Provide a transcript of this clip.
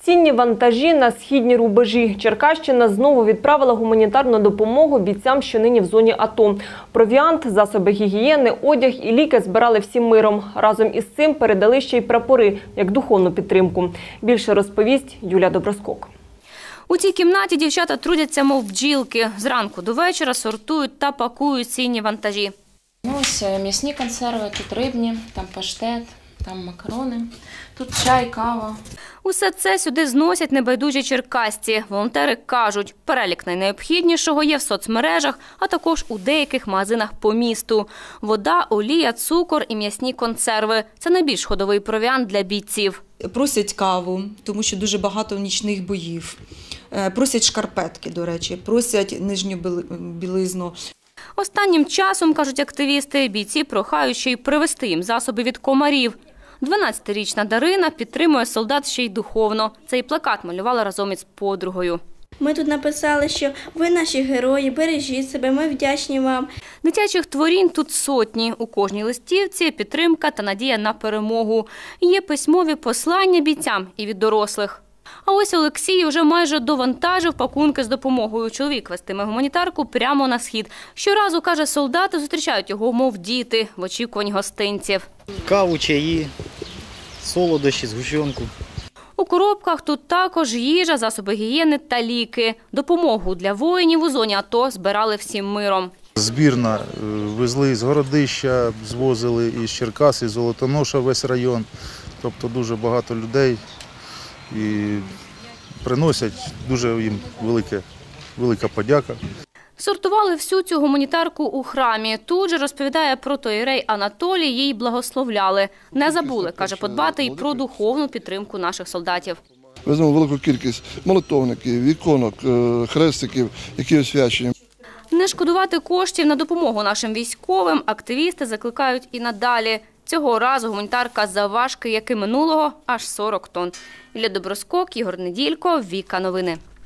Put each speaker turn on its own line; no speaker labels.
Цінні вантажі на східні рубежі. Черкащина знову відправила гуманітарну допомогу бійцям, що нині в зоні АТО. Провіант, засоби гігієни, одяг і ліки збирали всім миром. Разом із цим передали ще й прапори, як духовну підтримку. Більше розповість Юлія Доброскок.
У цій кімнаті дівчата трудяться, мов бджілки. Зранку до вечора сортують та пакують цінні вантажі.
Ось м'ясні консерви, тут рибні, там паштет, там макарони, тут чай, кава.
Усе це сюди зносять небайдужі черкасці. Волонтери кажуть, перелік найнеобхіднішого є в соцмережах, а також у деяких магазинах по місту. Вода, олія, цукор і м'ясні консерви – це найбільш ходовий провіант для бійців.
Просять каву, тому що дуже багато нічних боїв. Просять шкарпетки, до речі, просять нижню білизну.
Останнім часом, кажуть активісти, бійці прохають ще й привезти їм засоби від комарів. 12-річна Дарина підтримує солдат ще й духовно. Цей плакат малювала разом із подругою.
Ми тут написали, що ви наші герої, бережіть себе, ми вдячні вам.
Дитячих творінь тут сотні. У кожній листівці підтримка та надія на перемогу. Є письмові послання бійцям і від дорослих. А ось Олексій вже майже довантажив пакунки з допомогою. Чоловік вестиме гуманітарку прямо на схід. Щоразу, каже, солдати зустрічають його, мов діти, в очікуванні гостинців.
Каву, чаї, солодощі, згущенку.
У коробках тут також їжа, засоби гігієни та ліки. Допомогу для воїнів у зоні АТО збирали всім миром.
Збірна везли з Городища, звозили із Черкас, із Золотоноша весь район. Тобто дуже багато людей і приносять, дуже їм велика подяка.
Сортували всю цю гуманітарку у храмі. Тут же, розповідає протоієрей Анатолій, їй благословляли. Не забули, каже, подбати і про духовну підтримку наших солдатів.
Веземо велику кількість молитовників, іконок, хрестиків, які освячені.
Не шкодувати коштів на допомогу нашим військовим активісти закликають і надалі. Цього разу гуманітарка завважки, як і минулого, аж 40 тонн. Юлія Доброскок, Ігор Неділько, Віка Новини.